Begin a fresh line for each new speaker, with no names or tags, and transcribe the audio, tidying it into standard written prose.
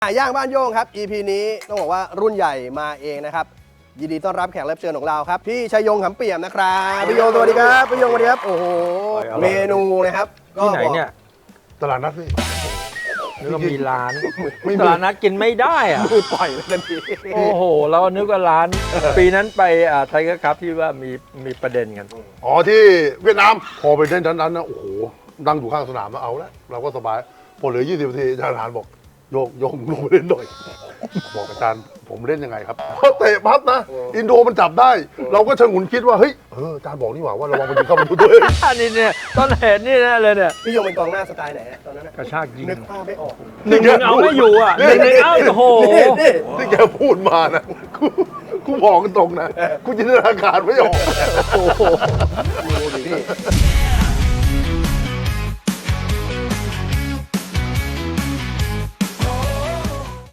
ย่างบ้านโย่งครับ EP นี้ต้องบอกว่ารุ่นใหญ่มาเองนะครับยินดีต้อนรับแขกรับเชิญของเราครับพี่ชัยยงขำเปี่ยมนะครับพี่โยงสวัสดีครับพี่โยงสวัสดีครับโอ้โหเมนูนะครับ
ที่ไหนเนี่ย
ตลาดนัดพี่
นึกว่ามีร้าน
ไม่มี
ตลาดนัดกินไม่ได้อะ
มือปล่อยเลยทันที
โอ้โห เรานึกว่าร้าน ปีนั้นไปไทเกอร์คัพที่ว่ามีประเด็นกัน
อ๋อที่เวียดนามพอไปเล่นนั้นนะโอ้โหนั่งอยู่ข้างสนามมาเอาแล้วเราก็สบายพอเหลือ20 นาทีอาจารย์ทหารบอกโยกลงไปเล่นหน่อยบอกอาจารย์ผมเล่นยังไงครับเพราะเตะพับนะอินโดมันจับได้ เราก็ชะงนคิดว่าเฮ้ยอาจารย์บอกนี่หว่าระวังมันยิงเข้าประตูตัวเอง
อันนี้เนี่ยต้นเหตุนี่นะเลยเนี่ย
พี่โยงเป็นกองหน้าสไตล์ไหนตอนนั้น
กระชากยิง
นึกภาพไม่ออก
หนึ่งเอาไม่อยู่อ่ะหนึ่งเอาโอ้โห
ที่แกพูดมานะกูบอกกันตรงนะกูจินตนาการไม่ออก
โอ้โห
ดูดิพี่